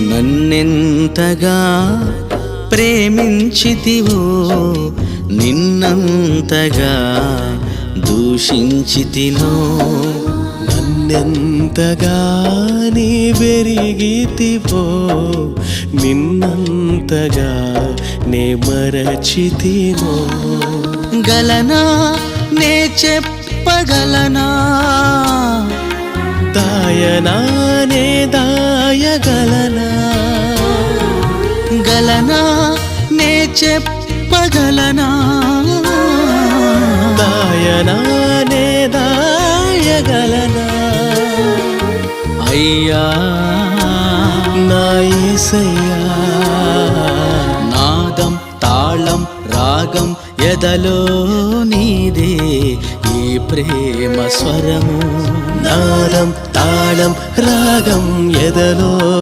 నన్నెంతగా ప్రేమించితివో నిన్నంతగా దూషించితినో నన్నెంతగా నీ వెరిగితివో నిన్నంతగా నే మరచితినో గలనా నే చెప్పగలనా దాయనా నే దాయగలనా గలనా నే చెప్పగలనా దాయనా నే దాయగలనా అయ్యా నా యేసయ్యా నాదం తాళం రాగం ఎదలో నీదే ఈ ప్రేమ స్వరము నాదం తాళం రాగం ఎదలో